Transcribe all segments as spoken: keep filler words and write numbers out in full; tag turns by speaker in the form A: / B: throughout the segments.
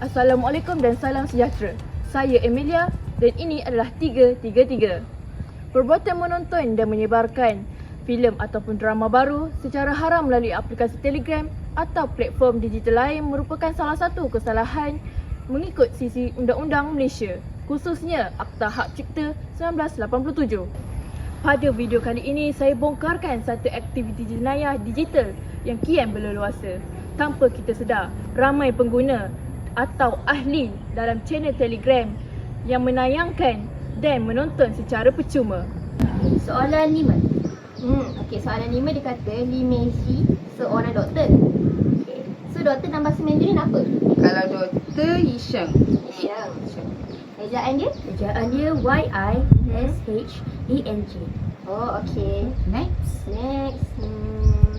A: Assalamualaikum dan salam sejahtera. Saya Emilia dan ini adalah tiga tiga tiga. Perbuatan menonton dan menyebarkan filem ataupun drama baru secara haram melalui aplikasi Telegram atau platform digital lain merupakan salah satu kesalahan mengikut sisi Undang-Undang Malaysia, khususnya Akta Hak Cipta seribu sembilan ratus lapan puluh tujuh. Pada video kali ini, saya bongkarkan satu aktiviti jenayah digital yang kian berleluasa. Tanpa kita sedar, ramai pengguna atau ahli dalam channel Telegram yang menayangkan dan menonton secara percuma.
B: Soalan lima. Hmm, okey, soalan lima dia kata Lee Messi seorang doktor. Okey. So doktor dalam bahasa Mandarin apa?
C: Kalau doktor Hisham.
B: Hisham. Ejaan dia? Ejaan dia Y I S H E N G. Oh, okey.
C: Next.
B: Next. Hmm.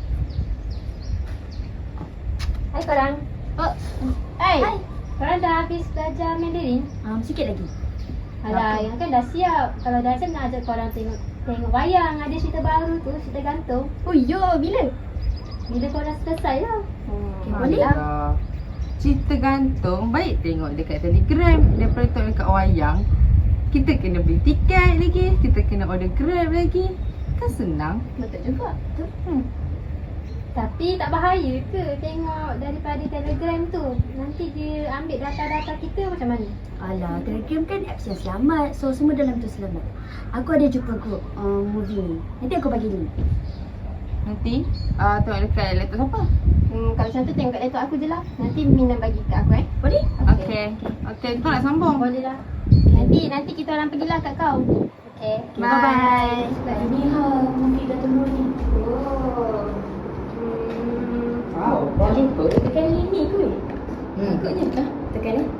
B: Hai korang. Oh, hai. Hai. Korang dah habis belajar Mandarin? Um, sikit lagi. Alah, yang kan dah siap. Kalau dah siap nak ajak korang tengok tengok wayang. Ada cerita baru tu, cerita gantung. Oh ya, bila? Bila korang selesai lah. Hmm, okay, boleh lah.
C: Cerita gantung baik tengok dekat Telegram daripada tengok dekat wayang. Kita kena beli tiket lagi, kita kena order Grab lagi. Kan senang.
B: Betul juga. Betul. Hmm. Tapi tak bahaya ke tengok daripada Telegram tu? Nanti dia ambil data-data kita macam mana?
D: Alah, Telegram kan apps yang selamat. So, semua dalam tu selamat. Aku ada jumpa group uh, movie ni. Nanti aku bagi link.
C: Nanti uh, tengok dekat laptop siapa?
B: Hmm, kalau macam tu tengok kat laptop aku je lah. Nanti Mina bagi kat aku eh. Boleh?
C: Okey. Okey, kau nak sambung?
B: Boleh lah. Nanti nanti kita orang pergilah kat kau. Okey. Okay,
C: Bye.
B: Bye.
D: Bye. Ni ha, movie dah tunggu ni.
B: Oh. Hmm.
C: Wow, kau jumpa?
D: Tekan ini ke?
C: Hmm,
D: Ikutnya kah? Tekan ni.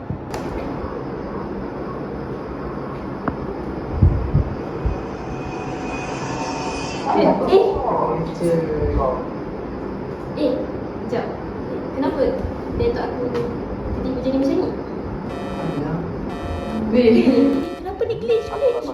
D: Eh, eh,
B: Eh, sekejap. Kenapa laptop aku tiba-tiba jadi macam ni?
C: Weh.
B: Kenapa ni glitch? Glitch.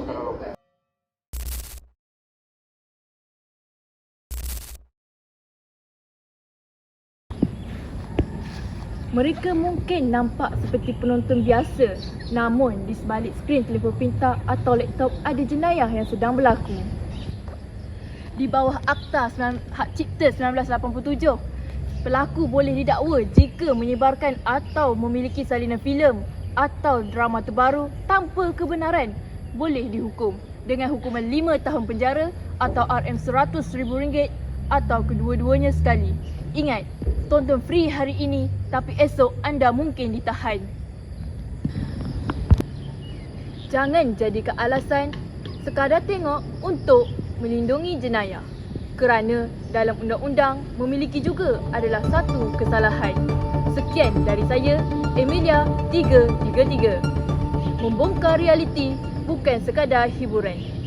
A: Mereka mungkin nampak seperti penonton biasa, namun di sebalik skrin telefon pintar atau laptop ada jenayah yang sedang berlaku. Di bawah Akta Hak Cipta seribu sembilan ratus lapan puluh tujuh, pelaku boleh didakwa jika menyebarkan atau memiliki salinan filem atau drama terbaru tanpa kebenaran, boleh dihukum dengan hukuman lima tahun penjara atau R M seratus ribu ringgit atau kedua-duanya sekali. Ingat, tonton free hari ini tapi esok anda mungkin ditahan. Jangan jadikan alasan sekadar tengok untuk melindungi jenayah, kerana dalam undang-undang memiliki juga adalah satu kesalahan. Sekian dari saya, Emilia tiga tiga tiga. Membongkar realiti bukan sekadar hiburan.